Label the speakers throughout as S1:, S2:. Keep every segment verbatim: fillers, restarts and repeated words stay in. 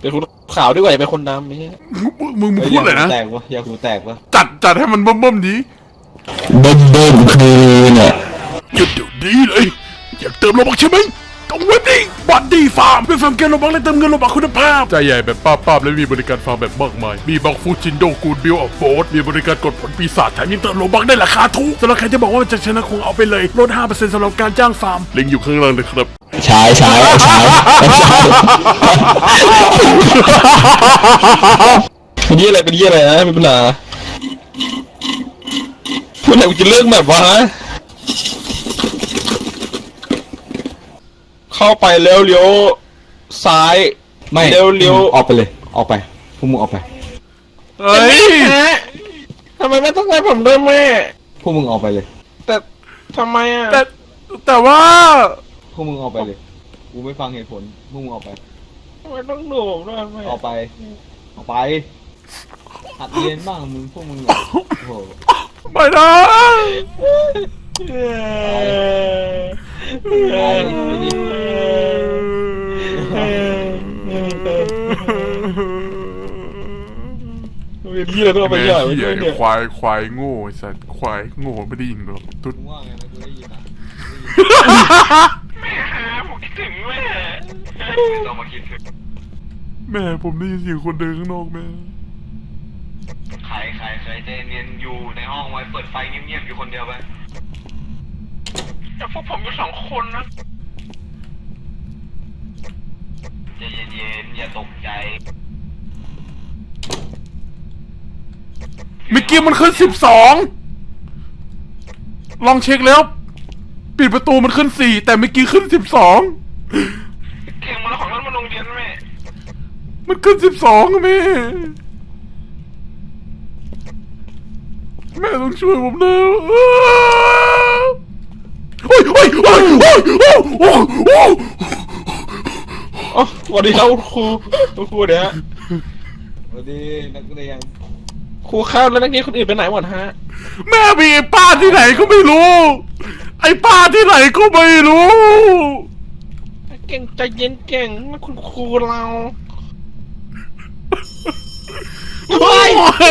S1: เป็นคนขาวดีกว่าเป็นคนดำนี่
S2: มึงมึงพูดเลยนะ
S3: แตกวะยาคูแตกวะ
S2: จัดจัดให้มันเบิ่มเบิ่มดี
S4: เบิ้มเบิ้มคือเนี่ย
S2: หยุดเดี๋ยวนี้เลยอยากเติมโลบักใช่ไหมต้องเว็บนี้บัตดีฟาร์มเป็นฟาร์มเกมโลบักและเติมเงินโลบักคุณภาพใจใหญ่แบบป้าป้าและมีบริการฟาร์มแบบมากมายมีบักฟูจินโดกูดบิลออฟโบสมีบริการกดผลปีศาจแถมยังเติมโลบักได้ราคาถูกสำหรับใครที่บอกว่าจะชนะคงเอาไปเลยลด ห้าเปอร์เซ็นต์ สำหรับการจ้างฟาร์มลิงก์อยู่ข้างล่างเลยครับ
S4: ใช้ใช้ใช้
S1: เป็นยี่อะไรเป็นยี่อะไรนะเป็นปัญหาเมื่อไหร่กูจะเลิกแบบวะเข้าไปเลี้ยวเลี้ยวซ้าย
S3: ไม่
S1: เลี้ยวเลี้ยว
S3: ออกไปเลยออกไปพวกมึงออกไป
S2: เฮ้ย
S1: ทำไมไม่ต้องให้ผมด้วยแม่
S3: พวกมึงออกไปเลย
S1: แต่ทำไมอ่ะ
S2: แต่แต่ว่า
S3: พวกมึงออกไปเลยกูไม่ฟังเหตุผลพวกมึงออกไป
S1: ทำไมต้องดูผมด้วยแม่
S3: ออกไปออกไปหัดเรียนบ้างมึงพวกมึงโอ้โห
S2: ไม่ได้
S1: เป็นยี่อะไรต้องไปย่อยไม่ใช่เนี่ย
S2: ควายควายโง่สัตว์ควายโง่ไม่ได้ยิงหรอกตุ๊ด
S3: ว่าไงนะกูได้ยินนะ
S1: แม่ฮะผมคิดถึงแม่ต้องมาคิดถึง
S2: แม่ผมได้ยินเสียงคนเดินข้างนอกแม่
S1: ใครใครใครใจเย็นอยู่ในห้องไว้เปิดไฟเงียบๆอยู่คนเดียวไปแต่พวกผมอยู่สองคนนะใจเย็นๆอย่าตกใจ
S2: เมื่อกี้มันขึ้นสิบสองลองเช็คแล้วปิดประตูมันขึ้นสี่แต่เมื่อกี้ขึ้นสิบสอง
S1: เก่งมาแล้วของรถมาโรงเรียนแม่
S2: มันขึ้นสิบสองแม่แม่ต้องช่วยผมนะโอ้ยโอ้ยโอ้ยโอ้ยโอ้ยโอ้ยโอ้ย
S1: อ๋อสวัสดีครับครูครูเดี๋ยว
S3: สวัสดีนักเรียน
S1: ครูข้าวแล้วนักเรียนคนอื่นไปไหนหมดฮะ
S2: แม่มีไอ้ป้าที่ไหนก็ไม่รู้ไอ้ป้าที่ไหนก็ไม่รู้
S1: เก่งใจเย็นเก่งนะคุณครูเรา
S3: อะไรใคร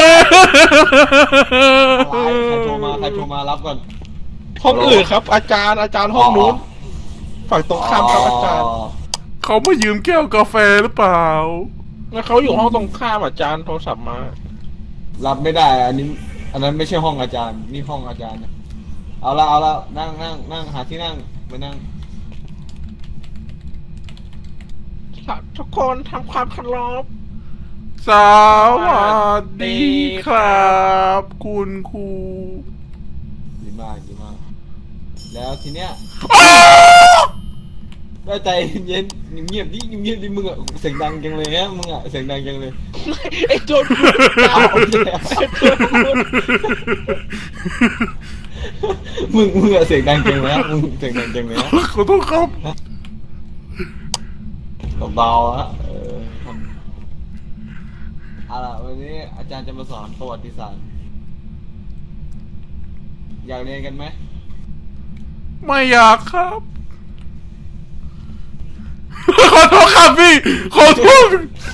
S3: โทรมาใครโทรมารับก่อน
S1: ห้องอื่นครับอาจารย์อาจารย์ห้องนู้นฝั่งตรงข้ามครับอาจารย์
S2: เขามายืมแก้วกาแฟหรือเปล่า
S1: แล้วเขาอยู่ห้องตรงข้ามอาจารย์โทรศัพท์มา
S3: รับไม่ได้อันนี้อันนั้นไม่ใช่ห้องอาจารย์นี่ห้องอาจารย์เอาละเอาละนั่งนั่งนั่งหาที่นั่งไปนั่ง
S1: ทุกคนทำความเคารพ
S2: สวัสดีครับคุณครู
S3: ดีมากดีมากแล้วทีเนี้ยได้ใจเย็นเงียบดิเงียบดิมึงอะเสียงดังจังเลยฮะมึงอะเสียงดังจังเลย
S1: ไอ้โจร
S3: มึงมึงอะเสียงดังจังเลยฮะมึงเสียงดังจังเลยฮะ
S2: ขอโทษครับ
S3: เบาๆฮะเออเอาล่ะวันนี้อาจารย์จะมาสอนประวัติศาสตร์อยากเรียนกันไหม
S2: ไม่อยากครับขอโทษครับพี่ขอโทษ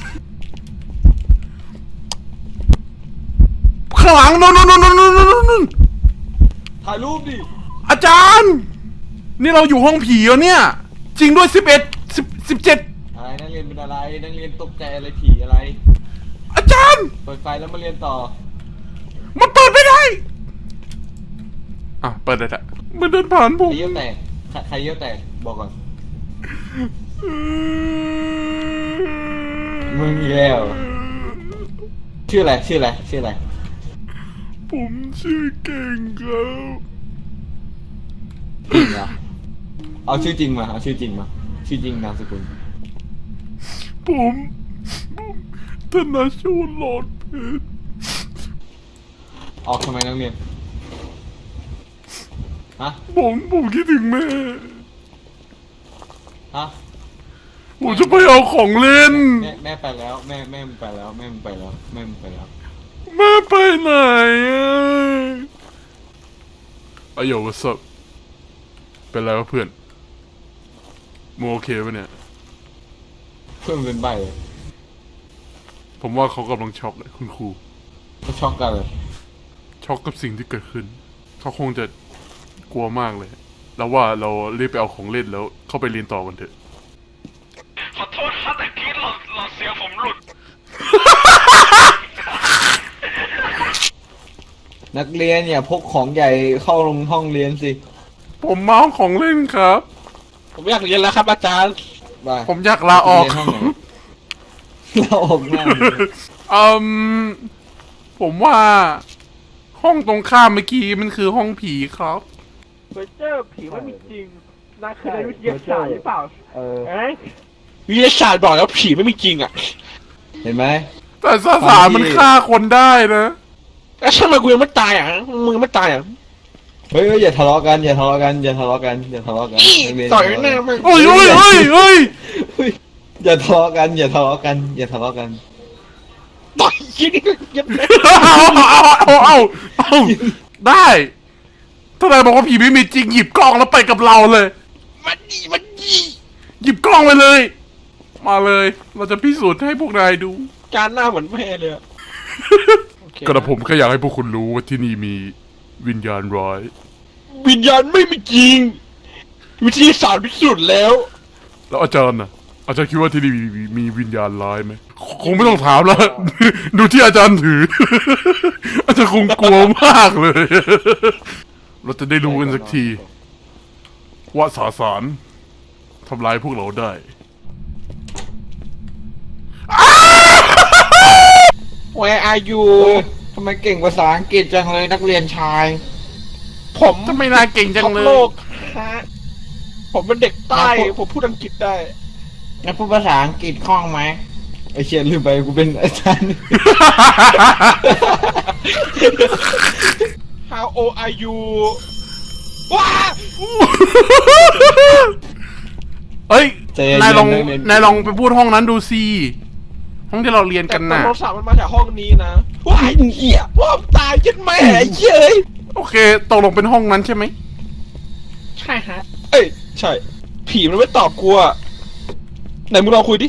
S2: ข้างหลังนู่นนู่นนู่นนู่นนู่น
S3: ถ่ายรูปดิ
S2: อาจารย์นี่เราอยู่ห้องผีแล้วเนี่ยจริงด้วยสิบเอ็ดสิบสิบเจ็ด
S3: อะไรนักเรียนเป็นอะไรนักเรียนตกใจอะไรผีอะไร
S2: อาจารย์
S3: เปิดไฟแล้วมาเรียนต่อ
S2: มันเปิดไม่ได้อ่ะเปิดได้ละมันเดินผ่านผม
S3: ใครเยี่ยวแตกใครเยี่ยวแตกบอกก่อนมึงอีกแล้วชื่ออะไรชื่ออะไรชื่ออะไร
S2: ผมชื่อเก่งครับ
S3: จริงเหรอเอาชื่อจริงมาเอาชื่อจริงมาชื่อจริงนามสกุล
S2: ผมธนชูหลอดเพชร
S3: ออกทำไมนักเรียนฮะ
S2: ผมผมคิดถึงแม่
S3: ฮะ
S2: ผมจะไปเอาของเล่น
S3: แม่แม่ไปแล้วแม่แม่มึงไปแล้วแม่มึงไปแล้วแม่มึงไปแล้ว
S2: แม่ไปไหนอ่ะไอ้โยวัสดุเป็นไรวะเพื่อนมึงโอเคปะเนี่ย
S3: เพื่อนเป็นใบเลย
S2: ผมว่าเขากำลังช็อกเลยคุณครู
S3: ก็ช็อกกันเลย
S2: ช็อกกับสิ่งที่เกิดขึ้น เขาคงจะกลัวมากเลย แล้วว่าเรารีบไปเอาของเล่นแล้วเข้าไปเรียนต่อกันเถอะ
S1: ขอโทษครับแต่กี้หลอดหลอดเสียงผมหลุด
S3: นักเรียนอย่าพกของใหญ่เข้าลงห้องเรียนสิ
S2: ผมเมาของเล่นครับ
S5: ผมอยากเรียนแล้วครับอาจารย์
S3: ไป
S2: ผมอยากลาออก
S3: เรียนห้องไหนลาออกหน้าเลย
S2: อืมผมว่า ห้องตรงข้ามเมื่อกี้มันคือห้องผีครับ
S6: เฟอร์เจอร์ผีไม่มีจริงนั่นคือในวิทยาศาสตร์หรือเปล่า
S3: เออ
S6: เอ้ย
S5: วิทยาศาสตร์บอกแล้วผีไม่มีจริงอ่ะ
S3: เห็นไหม
S2: แต่สสารมันฆ่าคนได้นะ
S5: แล้วทำไมกูยังไม่ตายอ่ะมึงยังไม่ตายอ่ะ
S3: เฮ้ยเฮ้ยอย่าทะเลาะกันอย่าทะเลาะกันอย่าทะเลาะกันอย่าทะเลาะกัน
S5: อี้
S3: นักเรียน
S5: ต่อยหน้ามึง
S2: โอ้ยโอ้ยโอ้ยโอ้ย
S3: เฮ้ยอย่าทะเลาะกันอย่าทะเลาะกันอย่าทะเลาะกัน
S5: ต่อยยิงยับเลย
S2: เอาเอาเอาเอาเอาได้ถ้านายบอกว่าผีไม่มีจริงหยิบกล้องแล้วไปกับเราเลย
S5: มันดีมันดี
S2: หยิบกล้องไปเลย มาเลย เราจะพิสูจน์ให้พวกนายดู
S5: จานหน้าเหมือนแม่เลยอะโอเค
S2: กระผมแค่อยากให้พวกคุณรู้ว่าที่นี่มีวิญญาณร้าย
S5: วิญญาณไม่มีจริง วิทยาศาสตร์พิสูจน์แล้ว
S2: แล้วอาจารย์น่ะ อาจารย์คิดว่าที่นี่มีมีมีวิญญาณร้ายไหมคงไม่ต้องถามแล้ว ดูที่อาจารย์ถือ อาจารย์คงกลัวมากเลย เราจะได้รู้กันสักที ว่าสาสารทำลายพวกเราได้
S5: Where are you
S3: เออทำไมเก่งภาษาอังกฤษจังเลยนักเรียนชาย
S5: ผม
S2: ทำไมนายเก่งจัง
S5: ท็อป
S2: เล
S5: โล
S2: ย
S5: กฮะผมเป็นเด็กใต้ ผมพูดอังกฤษได้
S3: งั้นพูดภาษาอังกฤษคล่องไหมไอเชียลืมไปกูเป็นอาจารย์
S5: How old are you ว้า
S2: เฮ้ย
S3: ใจเย็นๆ
S2: นายลอง
S3: นักเรียน
S2: นายลองไปพูดห้องนั้นดูสิ ห้องที่เราเรียน
S5: แต่
S2: กัน
S5: แต่
S2: น่ะ
S5: โทรศัพท์มันมาจากห้องนี้นะว้ายเหี้ยว่าผมตายยันแม่ไอ้เหี้ยเอ้ย
S2: โอเคตกลงเป็นห้องนั้นใช่ไหม
S5: ใช่ฮะ เอ้ย ใช่ ผีมันไม่ตอบกูอะไหนมึงลองคุยดิ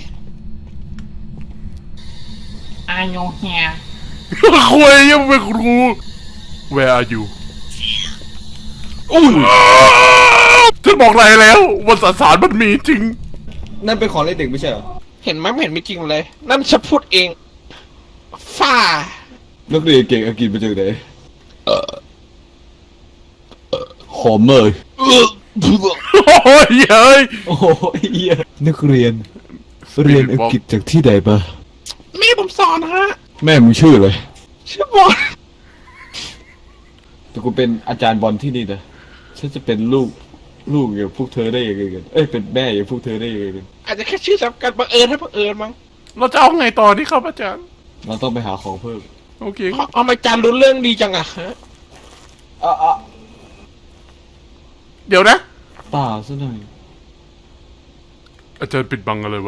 S7: Are you here?
S2: คุยยังเป็นครู Where are you
S5: อุ้ย
S2: ฉันบอกนายแล้วว่าสสารมันมีจริง
S3: นั่นเป็นของเล่นเด็กไม่ใช่เหรอ
S5: เห็นไหมไม่เห็นมีจริงเลย นั่นฉันพูดเองฝ้า
S3: นักเรียนเก่งอังกฤษมาจากไหนเออหอมเลย
S5: เออ
S2: โอ้ยเฮ้ย
S3: โอ้โหเหี้ยนักเรียน เรียนอังกฤษจากที่ใดมา
S5: แม่ผมสอนฮะ
S3: แม่มึงชื่ออะไร
S5: ชื่อบอล
S3: แต่กูเป็นอาจารย์บอลที่นี่นะฉันจะเป็นลูกลูกอย่างพวกเธอได้ยังไงกันเอ้ยเป็นแม่อย่างพวกเธอได้ยังไงกัน
S5: อาจจะแค่ชื่อจำกันบังเอิญให้บังเอิญมั้ง
S2: เราจะเอาไงต่อที่ครับอาจารย์
S3: เราต้องไปหาของเพิ่ม
S2: โอเค
S5: เอาเอามาจานรู้เรื่องดีจังอะฮะ
S3: อ่ะอ่ะ
S2: เดี๋ยวนะ
S3: เปล่าซะหน่อย
S2: อาจารย์ปิดบังอะไรไว้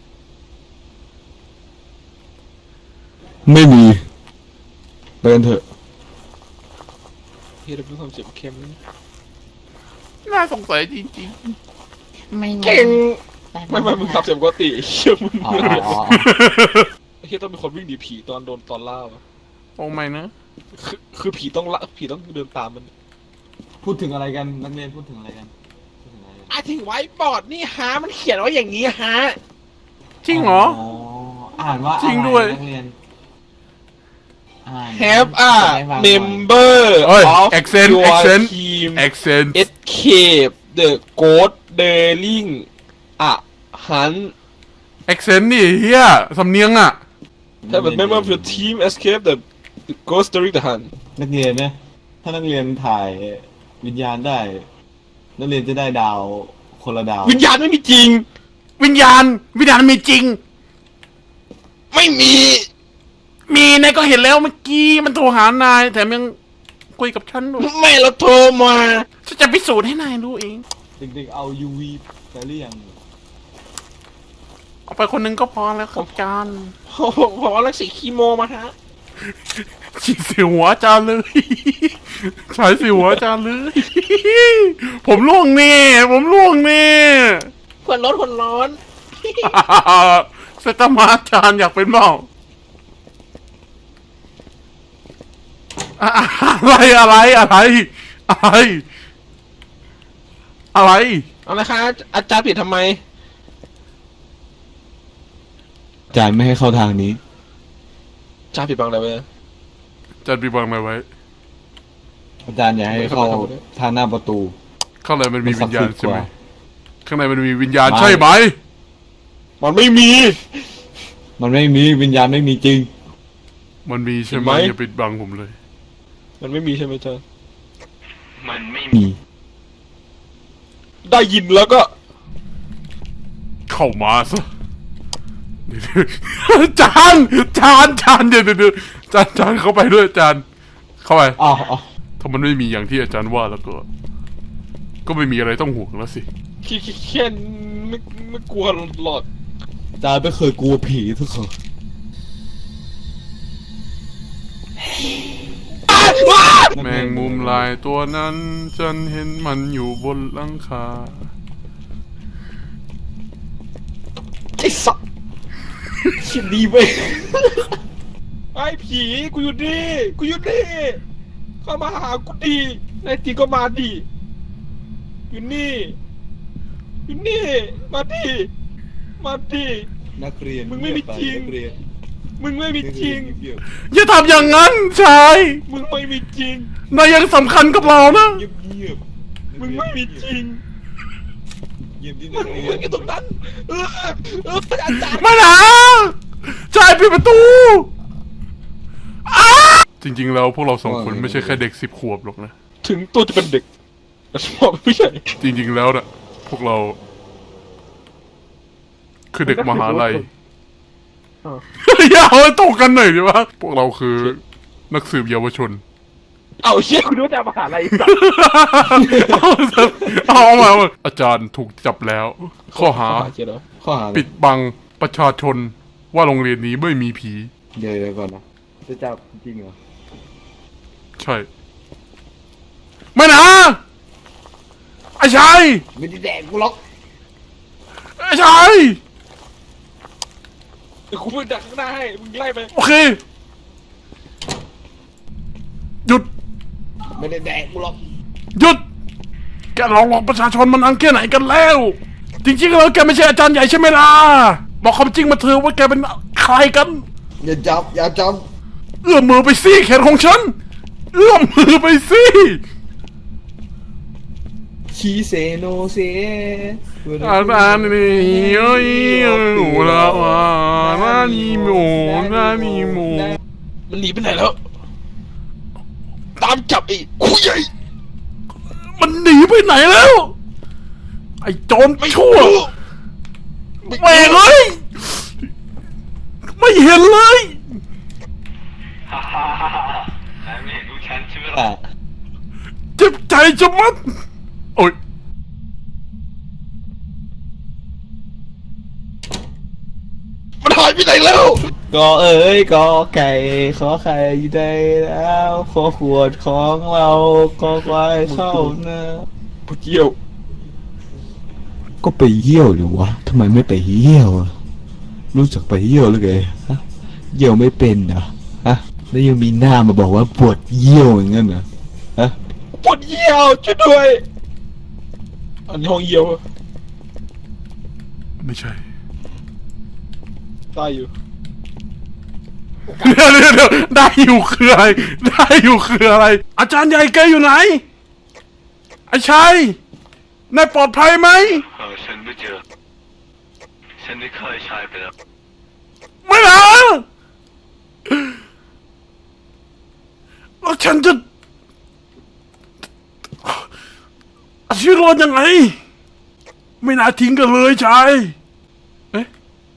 S3: ไม่มีไปกันเถอะ
S5: เฮียเราเป็นความเจ็บเข้มนะ
S2: น่าสงสัยจริง
S7: ไม่
S5: เก่ง ไม่ไม่มึงขับเสียงปกติเชื่อมึง
S3: อ๋ออ๋อ
S5: เฮียต้องเป็นคนวิ่งหนีผีตอนโดนตอนล่าวะ
S2: ๆ โอ้ไม่นะ
S5: คือคือผีต้องละผีต้องเดินตามมัน
S3: พูดถึงอะไรกันนักเรียนพูดถึงอะไรกันพูดถึงอะไรกัน
S5: ไอ้ถึงไว้บอร์ดนี่ฮะมันเขียนไว้อย่างนี้ฮะ
S2: จริงเหรอ
S3: อ่านว่า
S2: จริงด้วย
S3: นักเรียนอ่าน
S5: Have a
S3: จะได้ฟังหน่อย
S5: member
S2: เอ้ย
S5: of
S2: accent
S5: your
S2: accent
S5: team
S2: accent
S5: escape the ghost daring อ่ะหัน
S2: accent นี่เฮียสำเนียงอ่ะ
S5: Have a member of your team escape the the ghost daring the hunt
S3: นักเรียนนะถ้านักเรียนถ่ายวิญญาณได้ นักเรียนจะได้ดาวคนละดาว
S5: วิญญาณไม่มีจริง
S2: วิญญาณ วิญญาณมีจริง
S5: ไม่มี
S2: มีนายก็เห็นแล้วเมื่อกี้มันโทรหานายแถมยังคุยกับฉันด้วย
S5: ไม่เราโทรมา
S2: ฉันจะพิสูจน์ให้นายรู้เอง
S3: เด็กๆเอา ยู วี ไปหรือยัง
S2: เอาไปคนหนึงก็พอแล้วครับอาจารย์
S5: ผมผมเอาลักสีคีโมมาฮะ
S2: ฉีดสิวหัวอาจารย์เลย ใช้สิวหัวอาจารย์เลย ผมล่วงแน่ผมล่วงแน่
S5: คนร้อนคนร้อน
S2: เซตามาอาจารย์อยากเป็นเปล่าอะอะไรอะไรอะไรอะไรอะไร
S5: เอาละครับอาจารย์ปิดทำไม
S3: อาจารย์ไม่ให้เข้าทางนี้
S5: อาจารย์ปิดบังอะไรไว้
S2: จัดปีบังอะไรไว้
S3: อาจารย์อย่าให้เข้าทางหน้าประตู
S2: ข้างในมันมีวิญญาณใช่ไหม
S3: มันศักดิ์สิทธิ์กว่า
S2: ข้างในมันมีวิญญาณ
S3: ไม่
S2: ใช่ไหม
S5: มันไม่มี
S3: มันไม่มีวิญญาณไม่มีจริง
S2: มันมีใช่ไหม
S5: เห็นไหม
S2: อย่าปิดบังผมเลย
S5: มันไม่มีใช่ไหมอาจารย์
S1: มันไม่
S3: มี
S5: ได้ยินแล้วก็
S2: เข้ามาซะ จานจานจานเดี๋ยวเดี๋ยวเดี๋ยวจานจานเข้าไปด้วยจานเข้าไป
S3: อ้าวอ้าว
S2: ถ้ามันไม่มีอย่างที่อาจารย์ว่าแล้วก็ ก็ไม่มีอะไรต้องห่วงแล้วสิ
S5: แค่แค่ไม่ไม่กลัวหรอก
S3: อาจารย์ไม่เคยกลัวผีทุกคน
S2: แมงมุมลายตัวนั้น ฉันเห็นมันอยู่บนหลังคา
S5: ไอ้สัสคิดดีไปไอ้ผีกูอยู่นี่กูอยู่นี่เข้ามาหากูดีในทีก็มาดีอยู่นี่อยู่นี่มาดีมาดี
S3: นักเรียน
S5: มึงไม่มีจริง
S3: นักเรียน
S5: มึงไม่มีจริง
S3: เงียบ
S2: อย่าทำอย่างนั้นชาย
S5: มึงไม่มีจริง
S2: นายยังสำคัญกับเรานะ
S3: เงียบเงียบ
S5: มึงไม่มีจริง
S3: เงียบที่
S5: มึ
S3: นั
S5: ง
S3: กเรีย
S5: มึ
S3: น
S5: งอยู่ตรงนั้นเออเอออาจารย์
S2: ไม่นะชายปิดประตูอ้าจริงๆแล้วพวกเราสองคนไม่ใช่แค่เด็กสิบขวบหรอกนะ
S5: ถึงตัวจะเป็นเด็กแต่สมองไม่ใช่
S2: จริงๆแล้วน่ะ พวกเรา คือเด็กมหาลัย อย่าเอาให้ตกกันหน่อยดิวะพวกเราคือ นักสืบเยาวชน
S5: เอาเชี่ย
S6: คุณรู้จะมาหาอะไรอีกสัก
S2: เอาเอามาเอามาอาจารย์ถูกจับแล้ว ข้อหา
S5: เชี่ยเหรอ
S3: ข้อหา
S2: ปิดบังประชาชน ว่าโรงเรียนนี้ไม่มีผี
S3: เดี๋ยวเดี๋ยวก่อนนะจะจับจริงเหรอ
S2: ใช่ ไม่นะไอ้ชาย
S3: ไม่ได้แดกกูหรอก
S2: ไอ้ชาย
S5: เดี๋ยวกูไปดักข้างหน้าให้มึงไล่ไป
S2: โอเค หยุด
S3: ไม่ได้แดกกูหรอก
S2: หยุด แกหลอกหลอกประชาชนมันอันแค่ไหนกันแล้ว จริงๆแล้วแกไม่ใช่อาจารย์ใหญ่ใช่ไหมล่ะ บอกความจริงมาเถอะว่าแกเป็นใครกัน
S3: อย่าจับอย่าจับ
S2: เอื้อมมือไปสิแขนของฉัน เอื้อมมือไปสิ
S3: ชีเซโนเซ
S2: อาจารย์นี่โอ้ยหนูละว่านานิโมนานิโม
S5: มันหนีไปไหนแล้ว ตามจับไอ้คุยใหญ่
S2: มันหนีไปไหนแล้ว ไอ้โจร
S5: ไม่
S2: ชั่ว
S5: รู้
S2: แม่งเลย ไม่เห็นเลย
S1: ฮ่าฮ่าฮ่าฮ่านายไม่เห็นลูกฉันใช่ไหมล่ะ
S3: อ่ะ
S2: เจ็บใจจะมัด โอ้ย
S5: มันหายไปไหนแล้ว
S3: ก็เอ๋ยก็ไก่ขอไข่ได้แล้วขอขวดของเราก็ควายเข้านะ
S5: พวกเกี่ยว
S3: ก็ไปเยี่ยวหรือวะทำไมไม่ไปเยี่ยวอะรู้จักไปเยี่ยวหรือไงฮะเยี่ยวไม่เป็นเหรอฮะแล้วยังมีหน้ามาบอกว่าปวดเยี่ยวอย่างนั้นเหรอฮะ
S5: ปวดเยี่ยวช่วยด้วย อันนี้ห้องเยี่ยว
S2: ไม่ใช่
S5: ตายอยู่
S2: เดี๋ยวเดี๋ยวเดี๋ยวได้อยู่คืออะไร ได้อยู่คืออะไร อาจารย์ใหญ่แกอยู่ไหน ไอ้ชัยนายปลอดภัยไหม
S1: เออฉันไม่เจอ ฉันได้ฆ่าไอ้ชายไปแล้ว
S2: ไม่นะแล้วฉันจะเอาชีวิตรอดยังไง ไม่น่าทิ้งกันเลยชายเอ๊ะ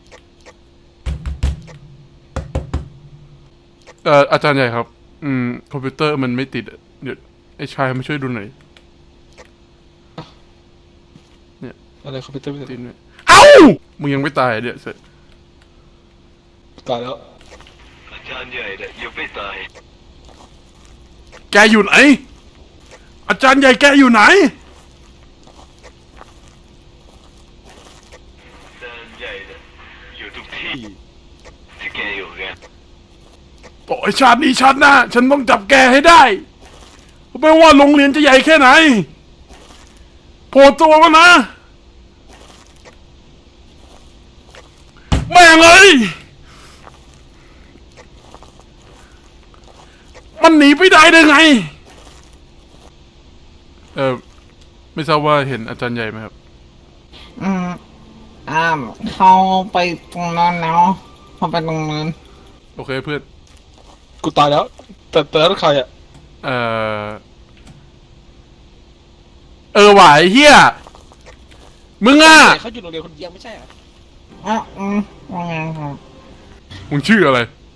S2: เอ่ออาจารย์ใหญ่ครับ อืม คอมพิวเตอร์มันไม่ติดอะเดี๋ยวไอ้ชายมาช่วยดูหน่อย
S5: อะไรคอมพิวเตอร์ไม่
S2: ติ
S5: ติ
S2: ด
S5: ด
S2: ไหมเอ้า มึงยังไม่ตายเนี่ยเสร็จ
S5: ตายแล้ว
S1: อาจารย์ใหญ่เนี่ยยังไม่ตาย
S2: แกอยู่ไหน อาจารย์ใหญ่แกอยู่ไหน
S1: อาจารย์ใหญ่เนี่ยอยู่ทุกที่ที่แกอยู่ไง
S2: ต่อให้ชาตินี้ชาติหน้าฉันต้องจับแกให้ได้ไม่ว่าโรงเรียนจะใหญ่แค่ไหนโผล่ตัวมานะแม่งเลยมันหนีไปได้ได้ไงเออไม่ทราบว่าเห็นอาจารย์ใหญ่ไหมครับ
S7: อืมอ่าเขาไปตรงนั้นแล้วเขาไปตรงนั้น
S2: โอเคเพื่อน
S5: กูตายแล้ว แต่แต่แล้วใครอ่ะ
S2: เออเออหวายเฮียมึงอ่ะ
S5: เขาอยู่โรงเรียนคนเดียวไม่ใช่เหรอ
S7: อ่ะอืมว่าไงครับ
S2: มึงชื่ออะไร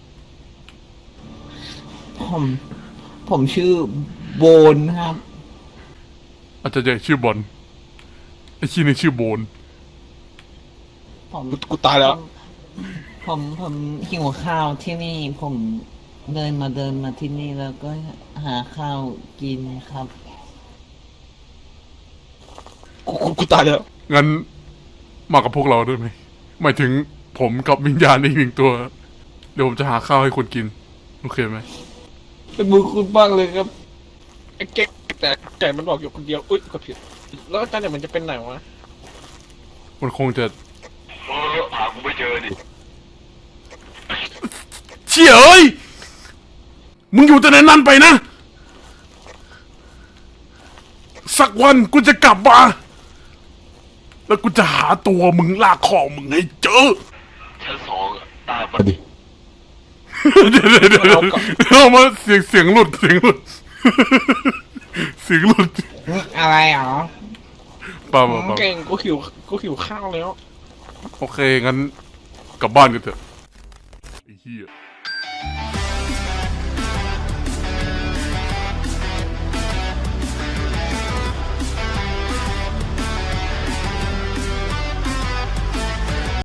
S7: ผมผมชื่อโบนครับ
S2: อาจารย์ใหญ่ชื่อบอลไอ้ชี้นี่ชื่อโบน
S7: ผม
S5: กูกูตายแล้ว
S7: ผมผมหิวข้าวที่นี่ ผมเดินมาเดินมาที่นี่แล้วก็หาข้าวกินครับ
S5: กูกูกูตายแล้ว
S2: งั้นมากับพวกเราด้วยไหมหมายถึงผมกับวิญญาณอีกหนึ่งตัว เดี๋ยวผมจะหาข้าวให้คนกิน โอเคไหม
S5: เป็นมือคุณบ้างเลยครับไอ้เก๊กแต่ไก่มันบอกอยู่คนเดียวอุ้ยกดผิดแล้วอาจารย์เนี่ยมันจะเป็นไหนวะ
S2: มันคงจะ
S1: เออหากูไม่เจอดิ
S2: เชี่ยเอ้ยมึงอยู่แต่ในนั้นไปนะ สักวันกูจะกลับมาแล้วกูจะหาตัวมึงลากคอมึงให้เจอ
S1: ชั้นสองอะตาปะ
S3: ดิ
S2: เดี๋ยวเดี๋ยวเดี๋ยวเอามาเสียงเสียงหลุดเสียงหลุด เสียงหลุด
S7: อะไรหรอ
S2: เปล่าเปล่าเปล่า
S5: เก่งกูหิวกูหิวข้าวแล้ว
S2: โอเค งั้นกลับบ้านกันเถอะไอ้เหี้ย